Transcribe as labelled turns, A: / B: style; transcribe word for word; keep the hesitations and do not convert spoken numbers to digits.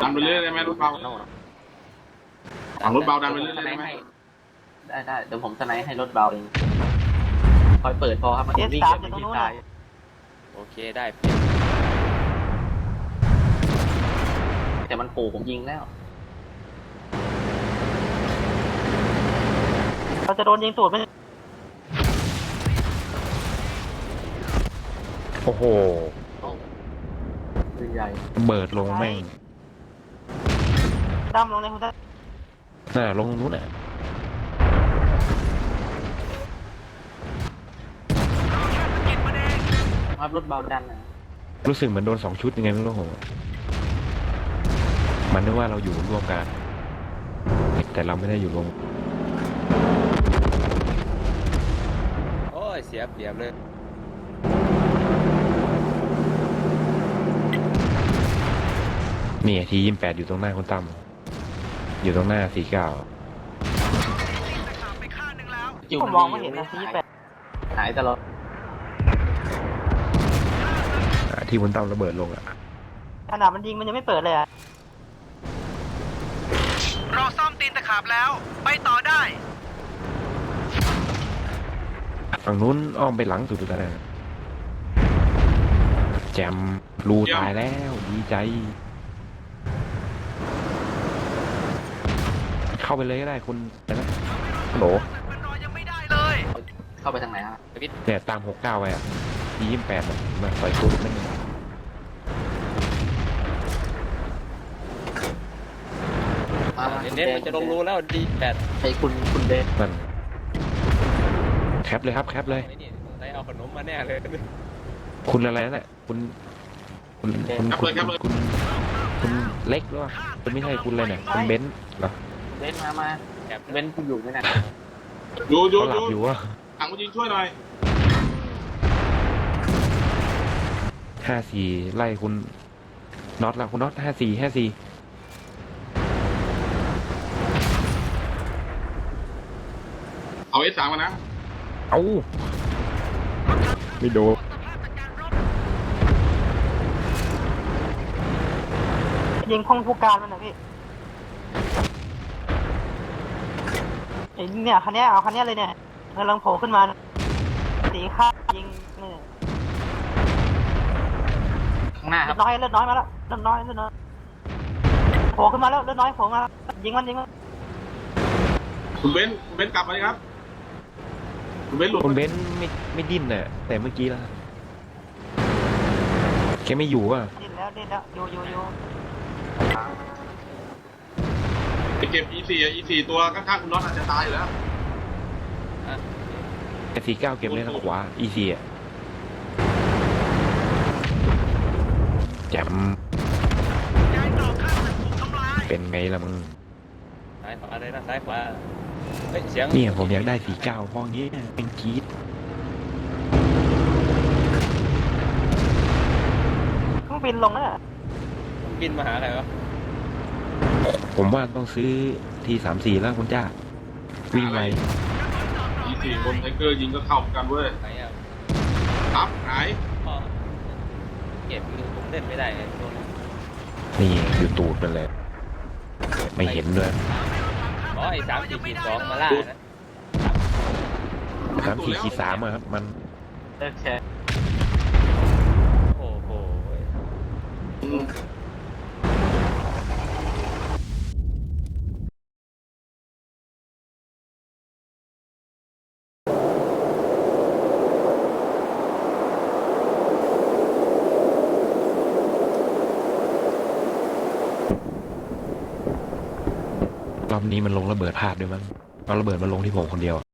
A: ดันไปเรื่อยได้ไหมรถเบาฝั่งรถเบาดันไปเรื่อยได้ไหม
B: ได้ได้เดี๋ยวผมสไนให้รถเบาเองคอยเปิดพอครับมันวิ่งกับที่ตายโอเคได้แต่มันขู่ผมยิงแล้วเราจะโดนยิงตูดไหม
C: โอ้โห
B: ปืนใหญ่
C: เบิดลงแม่ง
B: ดำลงเลยคุณท่าน
C: น่าลงนู้นน่ะ
B: ครับรถเบาดันนะ
C: รู้สึกเหมือนโดนสองชุดยังไงไม่รู้ผมมันนึกว่าเราอยู่ร่วมกัน แต่เราไม่ได้อยู่รวม
D: โอ้ยเสียเปรียบเลย
C: นี่ทียี่สิบแปดอยู่ตรงหน้าคุณตั้มอยู่ตรงหน้าสี่เก้า
B: ผมมองไม่เห็นนะที่แปดหายตลอด
C: ที่คุณตั้มระเบิดลงอ่ะ
B: ขนาดมันยิงมันยังไม่เปิดเลยอ่ะ
E: เราซ่อมตีนตะขาบแล้ว ไปต่อได้
C: ฝั่งนู้นอ้อมไปหลังสุดแล้วนะแจมรูตายแล้วดีใจ เข้าไปเลยก็ได้คุณนะฮัลโหล
E: มันรอยังไม่ได้เลย
B: เข้าไปทางไหนฮะ
C: เนี่ยตามหกเก้าไปอ่ะทียี่สิบแปดมาใส่ตัวนั่นเอง
D: เน้นๆมันจะลงรูแล้วดีแปด
B: ไอ้คุณคุณเดน
C: นั่นแคปเลยครับแคปเลย
D: ไอ้นี่ได้เอาขนมมาแน่เลย
C: คุณอะไรนั่นแหละคุณคุณคุณคุณคุณคุณคุณเล็กหรือเปล่าคุณไม่ใช่คุณอะไรเนี่ยคุณเบนซ์เหรอ
B: เดนมามา
D: แอบ
B: เบนคุณอยู่ไหมนะ
A: อยู่อยู่
C: เขาห
A: อ
C: ลับอยู่
A: ยู่
C: วะ
A: ถังมายิงช่วยหน่อย
C: ห้าสี่ไล่คุณน็อตละคุณน็อตห้าสี่ห้าสี่
A: เอาเอสสามมานะ
C: เอาไม่โดน
B: ยิงห้องผู้การมันนะพี่ไอ้เนี่ยคันนี้เอาคันนี้เลยเนี่ยกำลังโผล่ขึ้นมาสีข้ายิงนี่ข้างหน้าครับเลือดน้อยเลือดน้อยมาแล้วเลือดน้อยเลือดน้อยโผล่ขึ้นมาแล้วเลือดน้อยโผล่มายิงมันยิงมัน
A: คุณเบนซ์คุณเบนซ์กลับมาเลยครับคุณเบนซ์หลุด
C: คุณเบนซ์ไม่ไม่ดิ้นน่ะแต่เมื่อกี้ละแกไม่อยู่อ่ะ
B: ดิ้นแล้วดิ้นแล้วอยู่อยู่อยู่
A: ไปเก็บ อี สี่ อ่ะ อี สี่ ตัวข้างๆคุณน็อตอาจจะตายอยู่แล้ว
C: แต่สี่เก้าเก็บเลยทางขวาอีซีอ่ะแจม
E: ย้ายต่อข้างมันถูกทำลาย
C: เป็นไงล่ะมึง
D: ซ้ายขวาเลยนะซ้ายขวาเฮ้ยเสียง
C: เนี่ยผมอยากได้สี่เก้าพองี้เป็นกรีด
B: เครื่องบินลงแล้ว
D: บินมาหาใครวะ
C: ผมว่าต้องซื้อทีสามสี่แล้วคุณจ้าวิ่งไว
A: อี สี่ บนไทเกอร์ยิงก็เข้าเหมือนกันเว้ย
D: ไหนอ่ะ
A: ครับหาย
D: พ่อเก็บมือผมเล่นไม่ได้ไงตัวนี้
C: นี่อยู่ตูดมันเลย ไม่เห็นด้วย
D: อ๋อไอ้สามสี่ขีดสองมาล่านะ
C: สามสี่ขีดสามอะครับมัน
B: เลิกแชร์
D: โอ้โห
C: รอบนี้มันลงระเบิดพลาดด้วยมั้งเอาระเบิดมาลงที่ผมคนเดียว